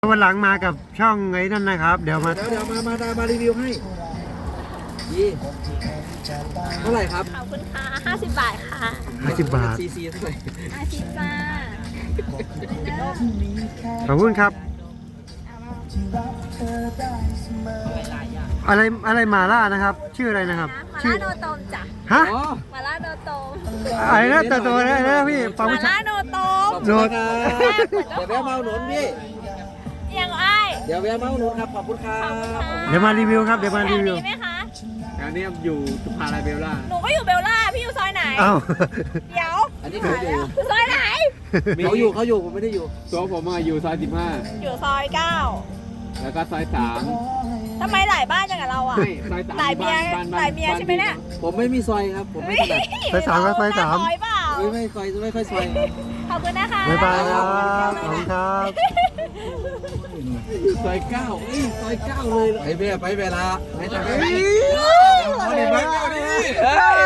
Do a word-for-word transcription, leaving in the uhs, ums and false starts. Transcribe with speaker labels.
Speaker 1: วันหลังมากับช่องไอ้นั่นนะครับเดี๋ยวมา
Speaker 2: เดี๋ยวเดี๋ยวมามามามารีวิวให้ยี่เท่าไหร่ครับ
Speaker 3: ขอบคุณค่ะห้าสิบบาทค่ะ
Speaker 1: ห้าสิบบาท
Speaker 2: ซีซีเท่าไหร่
Speaker 3: อาทิตย์จ้า
Speaker 1: ขอบคุณครับ อะไรอะไรหมาล่านะครับ ชื่ออะไรนะครับ
Speaker 3: มา
Speaker 1: ชื่อ
Speaker 3: ล่าโนโตมจ้ะ
Speaker 1: ฮะ
Speaker 2: อ๋อ
Speaker 3: มาล่าโนโตม
Speaker 1: อะไรนะตัวตัวนะนะพี่ฟัง
Speaker 3: มา
Speaker 1: ไม่ชั
Speaker 3: ล่า
Speaker 1: ด
Speaker 3: โนโตม
Speaker 2: ขอบคุณครับเดี๋ยวแวะมาอุดหนุนพี่
Speaker 3: ยังไอ้าย
Speaker 2: เดี๋ยวแวะมาอุดหนุนครับขอบคุณครับ
Speaker 1: เดี๋ยวมารีวิวครับเดี๋ยวมา
Speaker 3: แถ
Speaker 1: รี
Speaker 3: ว
Speaker 1: วิว
Speaker 3: นี้ไหมคะ
Speaker 4: งานนี้อยู่สุภาลัยเบลล่า
Speaker 3: หนูก็อยู่เบลล่า พี่อยู่ซอยไหน
Speaker 1: อ้าว
Speaker 3: เดี๋ยว
Speaker 2: อันนี้เขาอยู่
Speaker 3: อยู่ซอยไหน
Speaker 2: เขาอยู่เขาอยู่ผมไม่ได้อยู่
Speaker 4: ตัวผมอะอยู่ซอยสิบห้า
Speaker 3: อยู่ซอยเก้า
Speaker 4: แล้วก็ซอยสาม
Speaker 3: ทำไมหลายบ้านจังกับเราอ่ะ
Speaker 4: ไม่ซอยสาม
Speaker 3: หลายเมีย
Speaker 4: บ้าน
Speaker 3: หลายเมียใช่ไหมเนี่ย
Speaker 2: ผมไม่มีซอยครับผมไม่ถนัด
Speaker 1: ซอยสามครับซอยสาม
Speaker 3: ซอยเปล่า
Speaker 2: ไม่ไม่ซอยไม่ค่อยซอย
Speaker 3: ขอบคุณนะคะ
Speaker 1: บ๊ายบายครับขอบคุณครับ
Speaker 4: ซอยเก้าเอ้ยซอยเก้าเลย
Speaker 2: ไปเวลาไปเวลาไม่ทำไม่
Speaker 4: เอาดิไปเอาดิ
Speaker 2: เฮ้ย